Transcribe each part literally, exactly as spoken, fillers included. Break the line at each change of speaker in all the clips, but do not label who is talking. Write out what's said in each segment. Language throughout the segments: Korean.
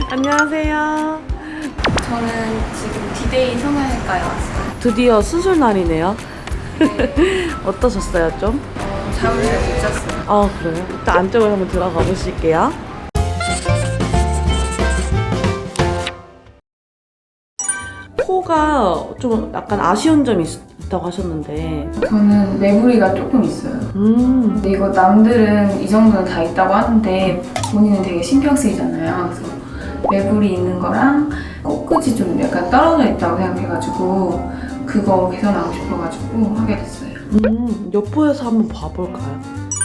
안녕하세요.
저는 지금 디데이 성형외과에 왔어요.
드디어 수술 날이네요.
네.
어떠셨어요, 좀?
어, 잠을 잘 못 잤어요.
아, 그래요? 일단 안쪽으로 한번 들어가 보실게요. 코가 좀 약간 아쉬운 점이 있다고 하셨는데.
저는 매부리가 조금 있어요.
음.
근데 이거 남들은 이 정도는 다 있다고 하는데 본인은 되게 신경 쓰이잖아요. 그래서 매부리 있는 거랑 코끝이 좀 약간 떨어져 있다고 생각해가지고 그거 개선하고 싶어가지고 하게 됐어요.
음, 옆부에서 한번 봐볼까요?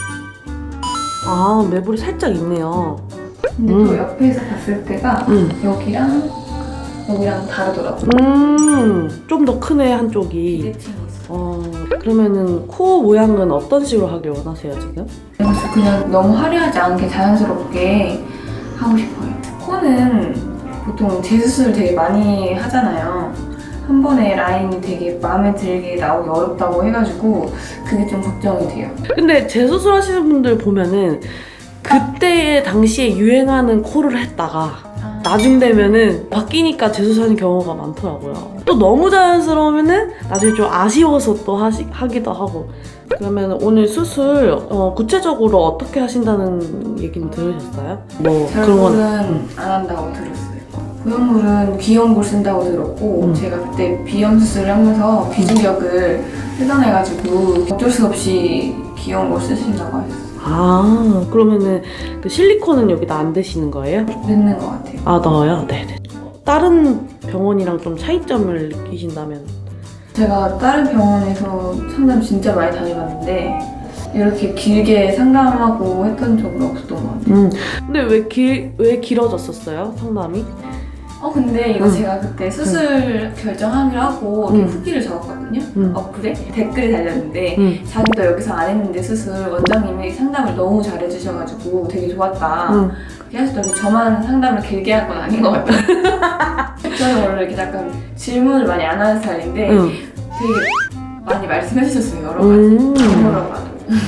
아, 매부리 살짝 있네요.
근데
음.
또 옆에서 봤을 때가
음.
여기랑 여기랑 다르더라고요.
음, 좀 더 크네, 한쪽이.
비대칭이 있어요.
어, 그러면은 코 모양은 어떤 식으로 하길 원하세요, 지금?
그래서 그냥 너무 화려하지 않게 자연스럽게 하고 싶어요. 코는 보통 재수술을 되게 많이 하잖아요. 한 번에 라인이 되게 마음에 들게 나오기 어렵다고 해가지고 그게 좀 걱정이 돼요.
근데 재수술 하시는 분들 보면은 그때 당시에 유행하는 코를 했다가 나중 되면은 바뀌니까 재수술하는 경우가 많더라고요. 또 너무 자연스러우면은 나중에 좀 아쉬워서 또 하시, 하기도 하고. 그러면 오늘 수술 어, 구체적으로 어떻게 하신다는 얘기는 들으셨어요? 뭐 그런 건
결국은 안 한다고 들었어요. 보형물은 비형물 쓴다고 들었고
음.
제가 그때 비염 수술을 하면서 비중격을 뜯어내가지고 어쩔 수 없이 비형물 쓰신다고 하셨어요.
아, 그러면은 그 실리콘은 여기다 안 대시는 거예요?
늦는 것 같아요.
아, 넣어요? 네네. 다른 병원이랑 좀 차이점을 느끼신다면?
제가 다른 병원에서 상담 진짜 많이 다녀봤는데 이렇게 길게 상담하고 했던 적은 없었던 것 같아요.
음. 근데 왜 길, 왜 길어졌었어요? 상담이?
어 근데 이거
음.
제가 그때 수술 결정하기로 하고
음.
후기를 적었거든요.
음.
어플에 댓글이 달렸는데
음.
자기도 여기서 안 했는데 수술 원장님이 상담을 너무 잘해주셔가지고 되게 좋았다.
음.
그렇게 하시더니 저만 상담을 길게 할 건 아닌 것 같아요. 저는 원래 이렇게 약간 질문을 많이 안 하는 스타일인데
음.
되게 많이 말씀해 주셨어요. 여러 가지.
음.
아무런 봐도.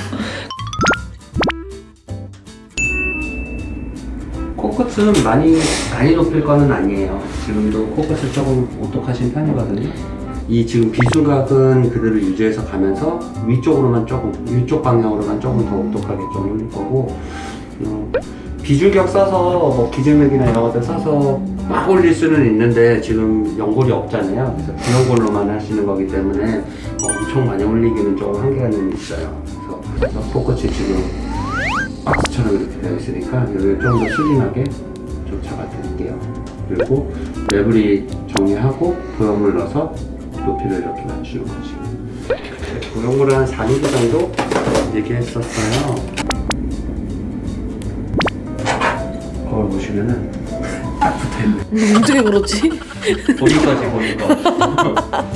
코끝은 많이 많이 높일 거는 아니에요. 지금도 코끝을 조금 오똑하신 편이거든요. 이 지금 비중각은 그대로 유지해서 가면서 위쪽으로만 조금, 위쪽 방향으로만 조금 더 오똑하게 좀 올릴 거고, 어, 비중격 써서 뭐 기질맥이나 이런 것들 써서 막 올릴 수는 있는데 지금 연골이 없잖아요. 그래서 비연골로만 하시는 거기 때문에 어, 엄청 많이 올리기는 조금 한계가 좀 있어요. 그래서 코끝이 지금 박스처럼 이렇게 되어 있으니까 여기를 좀 더 슬림하게 좀 잡아드릴게요. 그리고 매부리 정리하고 보형물 넣어서 높이를 이렇게 맞추는 거지. 보형물을 한 사 밀리미터 정도 얘기했었어요. 거울 보시면은 딱 붙어있네.
어떻게 그렇지?
보는 거지, 보는 거.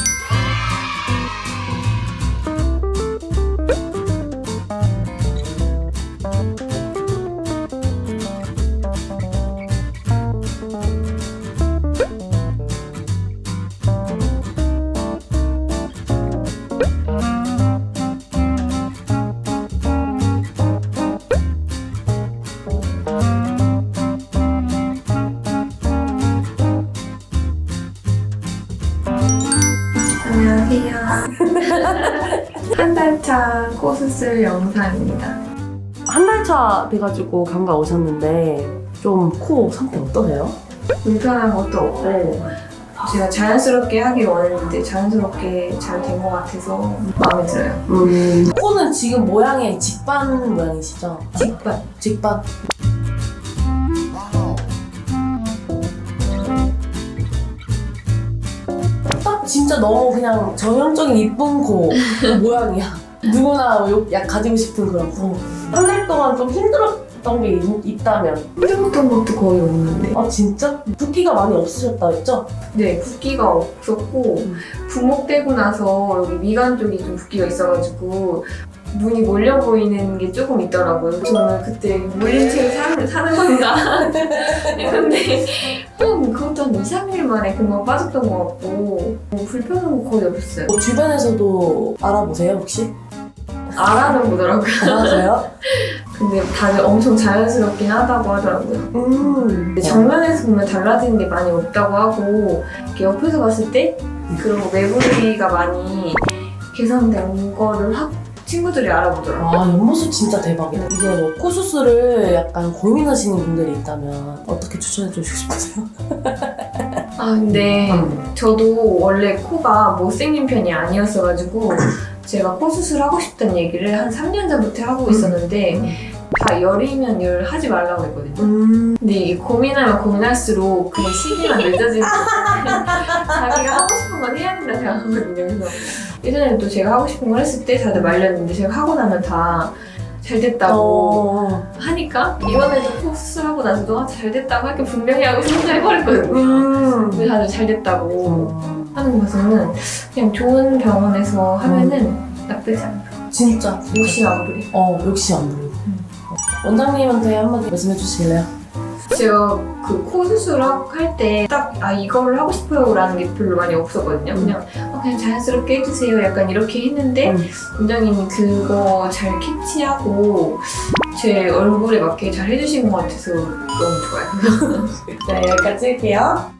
안녕하세요. 한 달 차 코수술 영상입니다.
한 달 차 돼가지고 감가 오셨는데 좀 코 상태 어떠세요?
불편한 것도 없고 제가 자연스럽게 하길 원했는데 자연스럽게 잘 된 것 같아서 마음에 들어요.
음. 코는 지금 모양이 직반 모양이시죠?
직반.
직반. 딱 진짜 너무 그냥 전형적인 이쁜 코 모양이야. 누구나 요- 약 가지고 싶은 그런 코. 한 달 동안 좀 힘들었던 게 있, 있다면?
힘들었던 것도 거의 없는데.
아 진짜? 붓기가 많이 없으셨다 했죠?
네, 붓기가 없었고
음.
부목되고 나서 여기 미간 쪽이 좀 붓기가 있어가지고 눈이 몰려 보이는 게 조금 있더라고요. 저는 그때 몰린 채로 사는, 사는 건가 했는데 또 그것도 한 이, 삼 일 만에 금방 빠졌던 것 같고 뭐 불편한 거 거의 없었어요.
뭐 주변에서도 알아보세요 혹시?
알아는 보더라고요.
알아보세요?
근데 다들 엄청 자연스럽긴 하다고 하더라고요.
음.
근데 정면에서 보면 달라지는 게 많이 없다고 하고 이렇게 옆에서 봤을 때 그런 매부리가 많이 개선된 거를 확 친구들이 알아보더라고요.
아, 옆모습 진짜 대박이다. 이제 뭐 코 수술을 약간 고민하시는 분들이 있다면 어떻게 추천해 주시고 싶으세요?
아 근데
음.
저도 원래 코가 못생긴 편이 아니었어가지고 제가 코 수술하고 싶다는 얘기를 한 삼 년 전부터 하고 있었는데 다 열이면 열 하지 말라고 했거든요.
음.
근데 이게 고민하면 고민할수록 그냥 시기만 늦어지는 거예요. 자기가 하고 싶은 건 해야 된다 생각하거든요. 그래서 예전에도 제가 하고 싶은 걸 했을 때 다들 말렸는데 제가 하고 나면 다 잘 됐다고
어.
하니까 이번에도 코 수술하고 나서도 아, 잘 됐다고 할 게 분명히 하고 생각해버렸거든요.
음.
근데 다들 잘 됐다고
어.
하는 거 봐서는 그냥 좋은 병원에서 하면은 나쁘지 않아요.
진짜.
욕심 안 부려.
어, 욕심 안 부리고.
음.
원장님한테 한마디 말씀해 주실래요?
제가 그 코 수술할 때 딱 아 이거를 하고 싶어요 라는 게 별로 많이 없었거든요.
음.
그냥 아, 그냥 자연스럽게 해주세요 약간 이렇게 했는데
음.
원장님이 그거 잘 캐치하고 제 얼굴에 맞게 잘 해주신 것 같아서 너무 좋아요.
네, 여기까지 할게요.